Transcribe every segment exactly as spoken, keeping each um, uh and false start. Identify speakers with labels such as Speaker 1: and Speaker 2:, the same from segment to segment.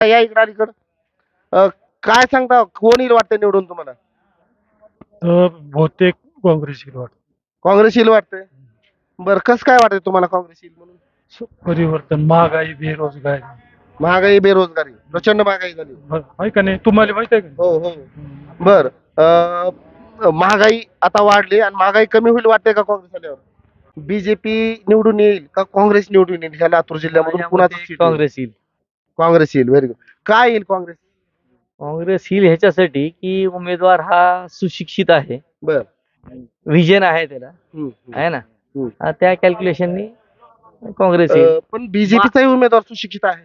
Speaker 1: या इकडं अलीकडं. अ, काय सांगता कोण येईल वाटतं निवडून तुम्हाला?
Speaker 2: तर बहुतेक काँग्रेस येईल वाटतं.
Speaker 1: काँग्रेस येईल वाटतंय. बरं कसं काय वाटतंय तुम्हाला काँग्रेस येईल म्हणून?
Speaker 2: स- परिवर्तन, महागाई, बेरोजगारी.
Speaker 1: महागाई बेरोजगारी प्रचंड महागाई झाली.
Speaker 2: ब- आहे का नाही, तुम्हाला माहित आहे का
Speaker 1: हो
Speaker 2: नाही?
Speaker 1: हो. बर महागाई आता वाढली आणि महागाई कमी होईल वाटते का काँग्रेस आल्यावर? बीजेपी निवडून येईल का काँग्रेस निवडून येईल ह्या लातूर जिल्ह्यामधून कुणाचं सीट येईल?
Speaker 3: काँग्रेस येईल.
Speaker 1: काँग्रेस येईल. Very good. काय येईल काँग्रेस?
Speaker 3: काँग्रेस येईल ह्याच्यासाठी की उमेदवार हा सुशिक्षित आहे,
Speaker 1: बर.
Speaker 3: व्हिजन आहे त्याला,
Speaker 1: हम्म, हम्म,
Speaker 3: आहे ना.
Speaker 1: हम्म.
Speaker 3: हा, त्या कॅल्क्युलेशननी काँग्रेस येईल.
Speaker 1: अ, पण बीजेपीचाही उमेदवार सुशिक्षित आहे.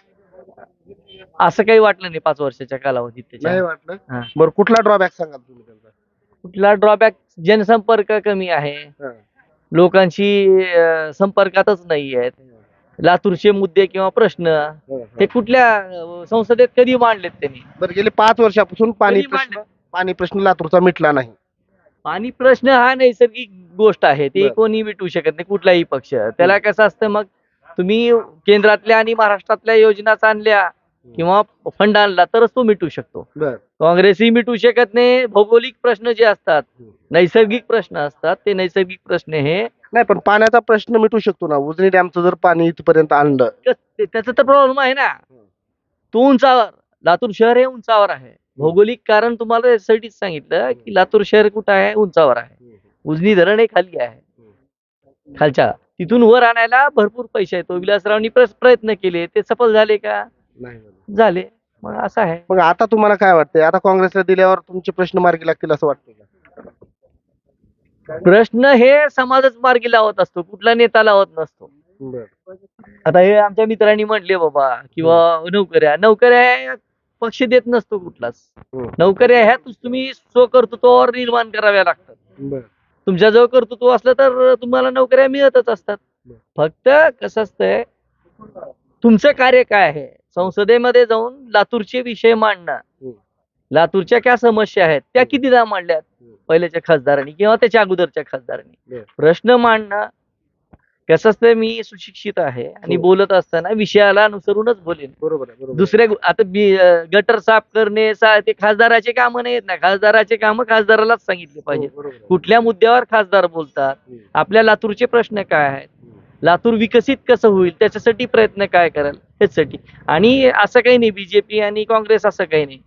Speaker 3: असं काही वाटलं नाही पाच वर्षाच्या कालावधीत
Speaker 1: नाही
Speaker 3: त्याच्या.
Speaker 1: वाटलं.
Speaker 3: हा.
Speaker 1: बरं कुठला ड्रॉबॅक सांगाल तुम्ही त्यांचा?
Speaker 3: कुठला ड्रॉबॅक? जनसंपर्क कमी आहे,
Speaker 1: हा.
Speaker 3: लोकांशी अं, संपर्कातच नाही आहेत. लातूरचे मुद्दे किंवा प्रश्न
Speaker 1: हा,
Speaker 3: हे
Speaker 1: हा.
Speaker 3: कुठल्या अं, संसदेत कधी मांडलेत त्यांनी?
Speaker 1: बरं गेले पाच वर्षापासून पाणी
Speaker 3: कधी
Speaker 1: प्रश्न
Speaker 3: मांडले?
Speaker 1: पाणी प्रश्न लातूरचा मिटला नाही.
Speaker 3: पाणी प्रश्न हा नैसर्गिक गोष्ट आहे, ती
Speaker 1: बरं.
Speaker 3: कोणी मिटवू शकत नाही, कुठलाही पक्ष. त्याला कसं असतं, मग तुम्ही केंद्रातल्या आणि महाराष्ट्रातल्या योजना आणल्या किंवा फंड आणला तरच तो मिटू शकतो.
Speaker 1: बर.
Speaker 3: काँग्रेसही मिटवू शकत नाही. भौगोलिक प्रश्न जे असतात, नैसर्गिक प्रश्न असतात, ते नैसर्गिक प्रश्न हे
Speaker 1: नाही पण पाण्याचा प्रश्न मिटू शकतो ना. उजनी डॅमचं जर पाणी इथपर्यंत आणलं.
Speaker 3: कस- ते- त्याचा तर प्रॉब्लेम आहे ना. तो उंचावर, लातूर शहर हे उंचावर आहे. भौगोलिक कारण तुम्हाला यासाठीच सांगितलं की लातूर शहर कुठं आहे? उंचावर आहे. उजनी धरण हे खाली आहे, खालच्या. तिथून वर आणायला भरपूर पैसे आहेत. तो विलासरावांनी प्रस- प्रयत्न केले, ते सफल झाले का?
Speaker 1: नाही.
Speaker 3: झाले. मग असं आहे.
Speaker 1: मग आता तुम्हाला काय वाटतंय? आता काँग्रेसला दिल्यावर तुमचे प्रश्न मार्गी लागतील असं वाटतंय का?
Speaker 3: प्रश्न हे समाजच मार्गी लावत असतो, कुठला नेता लावत नसतो.
Speaker 1: बर.
Speaker 3: आता हे आमच्या मित्रांनी म्हटले बाबा, किंवा नोकऱ्या नोकऱ्या पक्ष देत नसतो कुठलाच.
Speaker 1: हम्म.
Speaker 3: नोकऱ्या ह्या तुस- तुम्ही स्वकर्तृत्वावर निर्माण कराव्या लागतात.
Speaker 1: बर.
Speaker 3: तुमच्याजवळ कर्तृत्व असलं तर तुम्हाला नोकऱ्या मिळतच असतात. फक्त कसं असतंय, तुमचं कार्य काय आहे? संसदेमध्ये जाऊन लातूरचे विषय मांडणं,
Speaker 1: हम्म.
Speaker 3: लातूरच्या काय समस्या आहेत त्या कितीदा मांडल्यात पहिल्याच्या खासदारांनी किंवा त्याच्या अगोदरच्या खासदारांनी.
Speaker 1: बर.
Speaker 3: प्रश्न मांडणं कसं असतं, मी सुशिक्षित आहे आणि
Speaker 1: हो.
Speaker 3: बोलत असताना विषयाला अनुसरूनच बोलेन.
Speaker 1: बरोबर आहे. बरोबर आहे.
Speaker 3: दुसऱ्या गो- आता बी- अं, गटर साफ करणे सा- ते खासदाराचे कामं नाहीत ना. खासदाराचे कामं खासदारालाच सांगितले
Speaker 1: हो,
Speaker 3: पाहिजे.
Speaker 1: बरोबर आहे.
Speaker 3: कुठल्या मुद्द्यावर खासदार बोलतात,
Speaker 1: हम्म.
Speaker 3: आपल्या लातूरचे प्रश्न काय आहेत,
Speaker 1: हम्म.
Speaker 3: लातूर विकसित कसं होईल त्याच्यासाठी प्रयत्न काय कराल ह्यासाठी. आणि असं काही नाही बीजेपी आणि काँग्रेस, असं काही नाही.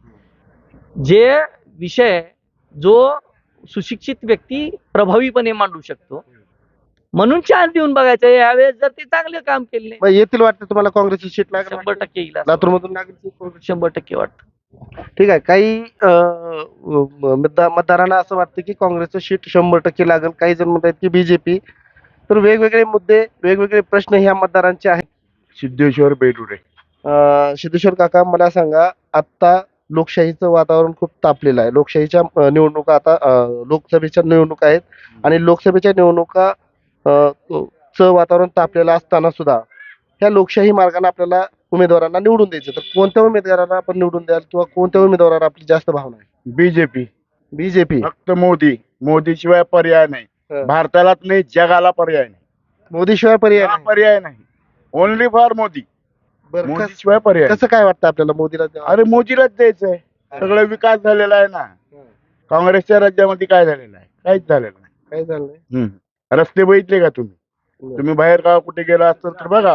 Speaker 3: जे विषय जो सुशिक्षित व्यक्ती प्रभावीपणे मांडू शकतो, म्हणून चान्स देऊन बघायचं. यावेळेस जर ते चांगलं काम केले,
Speaker 1: मग येतील वाटतं तुम्हाला काँग्रेसची सीट लागेल?
Speaker 3: शंभर टक्के येईल असं.
Speaker 1: लातूर मधून लागेल seat काँग्रेस?
Speaker 3: शंभर टक्के वाटतं.
Speaker 1: ठीक आहे. काही अं, म- मतदा- मतदारांना असं वाटतं की काँग्रेसचं सीट शंभर टक्के लागेल. काही जण म्हणतात की बीजेपी. तर वेगवेगळे मुद्दे वेगवेगळे प्रश्न ह्या मतदारांचे आहेत.
Speaker 4: सिद्धेश्वर बेडुरे.
Speaker 1: अं, सिद्धेश्वर काका मला सांगा, आता लोकशाहीचं वातावरण खूप तापलेलं आहे. लोकशाहीच्या अं, निवडणुका आता अं, लोकसभेच्या निवडणुका आहेत आणि लोकसभेच्या निवडणुका अं, चं वातावरण तापलेलं असताना सुद्धा ह्या लोकशाही मार्गाने आपल्याला उमेदवारांना निवडून द्यायचं. तर कोणत्या उमेदवारांना आपण निवडून द्याल किंवा कोणत्या उमेदवारावर आपली जास्त भावना आहे?
Speaker 4: बीजेपी.
Speaker 1: बीजेपी.
Speaker 4: फक्त मोदी. मोदी शिवाय पर्याय नाही.
Speaker 1: हं.
Speaker 4: भारतालाच नाही, जगाला पर्याय नाही.
Speaker 1: मोदी शिवाय पर्याय
Speaker 4: हा
Speaker 1: नाही.
Speaker 4: पर्याय नाही. Only for Modi.
Speaker 1: बरं,
Speaker 4: मोदी
Speaker 1: कस-
Speaker 4: शिवाय पर्याय नाही.
Speaker 1: कसं काय वाटतं आपल्याला मोदीला द्यावं?
Speaker 4: अरे मोदीलाच द्यायचंय. सगळं विकास झालेला आहे ना. काँग्रेसच्या राज्यामध्ये काय झालेलं आहे? काहीच झालेलं नाही.
Speaker 1: काय झालंय?
Speaker 4: हम्म. रस्ते बघितले का तुम्ही? तुम्ही बाहेर गाव कुठे गेला असता तर बघा,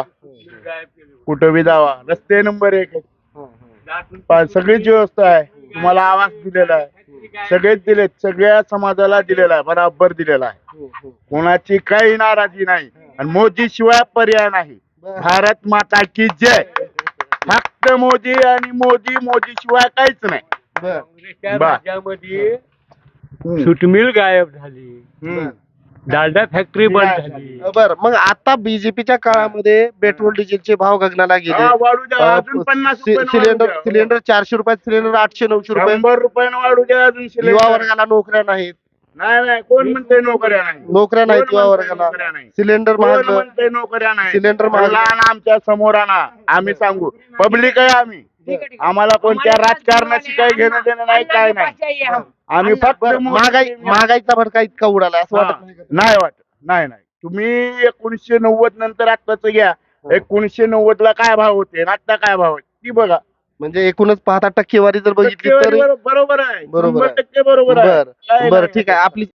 Speaker 4: कुठं बी जावा, रस्ते नंबर एक आहेत. पा- सगळीच व्यवस्था आहे. तुम्हाला आवाज दिलेला आहे, सगळेच दिलेत. सगळ्या समाजाला दिलेला आहे, बराबर दिलेला आहे. कोणाची काही नाराजी नाही आणि मोदी शिवाय पर्याय नाही. भारत माता की जय. फक्त मोदी आणि मोदी, मोदी शिवाय काहीच नाही.
Speaker 1: बरं.
Speaker 4: बा.
Speaker 2: राज्यामध्ये
Speaker 4: हम्म.
Speaker 2: सुटमिल गायब झाली,
Speaker 4: हम्म.
Speaker 2: डालडा फॅक्टरी बंद
Speaker 4: नाही
Speaker 2: झाली.
Speaker 1: बरं, मग आता बीजेपीच्या काळामध्ये पेट्रोल डिझेलचे भाव गगनाला गेले.
Speaker 4: हा, वाढू द्या अजून
Speaker 1: अं,
Speaker 4: पन्नास
Speaker 1: सि-
Speaker 4: रुपयानं वाढू
Speaker 1: सिलेंडर
Speaker 4: द्या.
Speaker 1: सिलेंडर चारशे रुपयात सिलेंडर आठशे नऊशे रुपये.
Speaker 4: शंभर रुपयानं वाढू द्या अजून
Speaker 1: युवा
Speaker 4: सिलेंडर.
Speaker 1: वर्गाला नोकऱ्या नाहीत.
Speaker 4: नाही नाही, कोण म्हणते नोकऱ्या नाही?
Speaker 1: नोकऱ्या नाहीत
Speaker 4: कोण
Speaker 1: युवा
Speaker 4: म्हणतंय
Speaker 1: वर्गाला.
Speaker 4: नोकऱ्या नाही?
Speaker 1: सिलेंडर
Speaker 4: कोण
Speaker 1: महाग.
Speaker 4: म्हणते नोकऱ्या नाही?
Speaker 1: सिलेंडर महाग.
Speaker 4: लहान आमच्या समोर आणा, आम्ही सांगू. पब्लिक आहे आम्ही. आम्हाला कोणत्या राजकारणाशी काही घेणं देणं नाही, काय नाही. आम्ही फक्त
Speaker 1: बरं, महागाई महागाईचा भडका इतका उडाला असं
Speaker 4: हा.
Speaker 1: वाटत नाही का?
Speaker 4: नाही वाटत. नाही नाही, तुम्ही एकोणीसशे नव्वद नंतर आत्ताच घ्या. एकोणीसशे नव्वद ला काय भाव होते आणि आता काय भाव आहे ती बघा.
Speaker 1: म्हणजे एकूणच पाहता टक्केवारी जर बघितली तर
Speaker 4: टक्केवारी बरो- बरोबर आहे
Speaker 1: बरोबर
Speaker 4: शंभर
Speaker 1: आहे.
Speaker 4: टक्के बरोबर आहे
Speaker 1: बर
Speaker 4: काय
Speaker 1: बर
Speaker 4: नाही.
Speaker 1: ठीक आहे. आपली